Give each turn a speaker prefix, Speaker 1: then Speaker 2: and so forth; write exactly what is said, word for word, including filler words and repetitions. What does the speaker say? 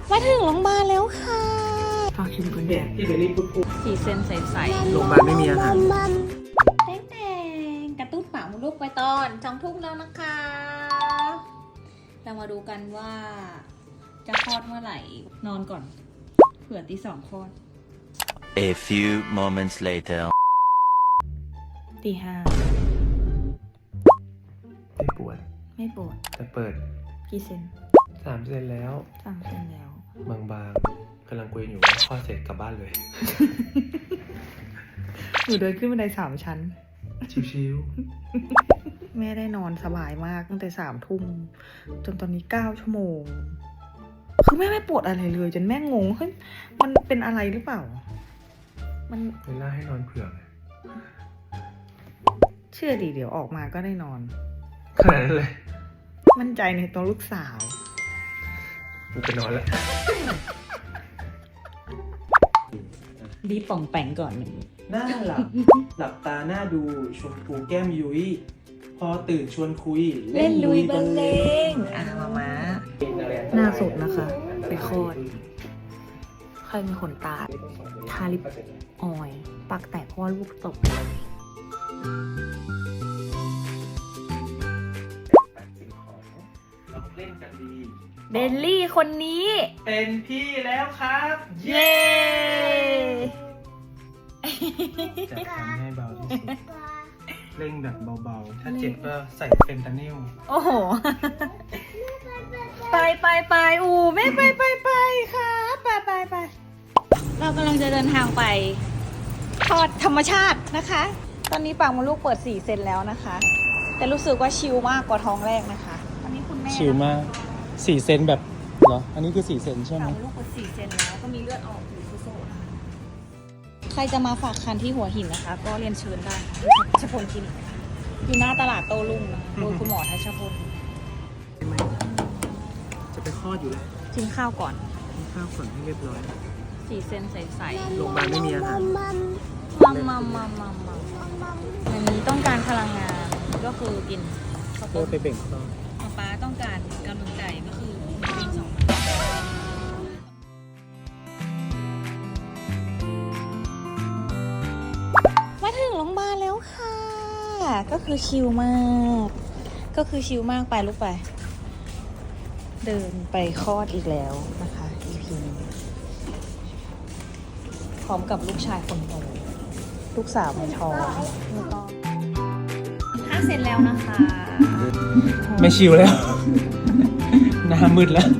Speaker 1: มาถึงโรงพยาบาลแล้วค่ะ
Speaker 2: ฝากชิมก่อนเนี่ยที่เบลลี่พูดพูด
Speaker 1: สีเส้นใสๆ
Speaker 2: โรงพยาบาลไม่มีอาหาร
Speaker 1: แดงแดงกระตุ้นปากมดลูกไปตอนสองทุ่มแล้วนะคะ เรามาดูกันว่าจะคลอดเมื่อไหร่ นอนก่อน เผื่อตีสองคลอด
Speaker 3: A few moments later.
Speaker 1: ตีห้า
Speaker 2: ไม่ปวด
Speaker 1: ไม่ปวด
Speaker 2: แต่เปิด
Speaker 1: กี่เซน
Speaker 2: สามเซนแล้ว
Speaker 1: สามเซนแล้ว
Speaker 2: บางๆกำลังคุยอยู่ว่าข้อเสร็จกลับบ้านเลย
Speaker 1: หนูเดินขึ้นบันไดสามชั้น
Speaker 2: ชิว
Speaker 1: แม่ได้นอนสบายมากตั้งแต่สามทุ่มจนตอนนี้เก้าชั่วโมง คือแม่ไม่ปวดอะไรเลย จนแม่งงเฮ้ยมันเป็นอะไรหรือเปล่า มัน
Speaker 2: ๆเวลาให้นอนเผื่อไง
Speaker 1: เชื่อดิเดี๋ยวออกมาก็ได้นอน
Speaker 2: ขนาดนั้นเลย
Speaker 1: มั่นใจในตัวลูกสาว
Speaker 2: กูไปนอนแล้ว
Speaker 1: รีบป่องแปงก่อนหนึ่ง
Speaker 2: หน้าหลับ หลับตาหน้าดูชมพูแก้มยุ้ยพอตื่นชวนคุย
Speaker 1: เล่นลุยบรรเลงอ่ะมามาหน้าสดนะคะ ไปคลอด ใครมีขนตา ทาลิปออยล์ปากแตกเพราะว่าลูกตก
Speaker 2: เราเล่นกันดี
Speaker 1: เดลลี่คนนี้
Speaker 2: เป็นพี่แล้วครับ
Speaker 1: เย้
Speaker 2: จะทำให้เบาที่สุดเร่งแบบเบาๆ ถ้าเจ็บก็ใส่เฟนตานิล
Speaker 1: โอ้โห ไปไปไปอูแม่ไปไปไปค่ะไปไปไปเรากำลังจะเดินทางไปทอดธรรมชาตินะคะ ตอนนี้ปากมดลูกเปิดสี่เซนแล้วนะคะ แต่รู้สึกว่าชิลมากกว่าท้องแรกนะคะตอนนี้คุณแม่
Speaker 4: ชิลมากสี่เซนแบบเหรอ อันนี้คือสี่เซนใช่ไหม
Speaker 1: ปากมดลูกเปิดสี่เซนแล้วก็มีเลือดออกอยู่โซ่ๆนะคะใครจะมาฝากคันที่หัวหินนะคะ ก็เรียนเชิญได้ทัชพลคลินิกนะคะอยู่หน้าตลาดโต้รุ่งนะคะโดยคุณหมอทัชพล
Speaker 2: จะไปคลอดอยู่แล้ว
Speaker 1: กินข้าวก่อน
Speaker 2: กินข้าวก่อนให้เรียบร้อย
Speaker 1: สี่เซนใสๆ
Speaker 2: โรงพยาบาลไม่มีอาหาร
Speaker 1: มัมมัมมัมมัมมัมอันนี้ต้องการพลังงานก็คือกินข้าว
Speaker 2: เพื่
Speaker 1: ต้
Speaker 2: อ
Speaker 1: ม
Speaker 2: ไปเบ่งคลอด
Speaker 1: ป๊าต้องการกำลังใจก็คือกินสองมาถึงโรงพยาบาลแล้วค่ะ ก็คือชิลมาก ก็คือชิลมากไปลูกไป เดินไปคลอดอีกแล้วนะคะ อี พี นี้พร้อมกับลูกชายคนโตลูกสาวในท้องแล้วก็ถ้าเสร็จแล้วนะคะ
Speaker 4: ไม่ชิลแล้ว หน้ามืดแล้ว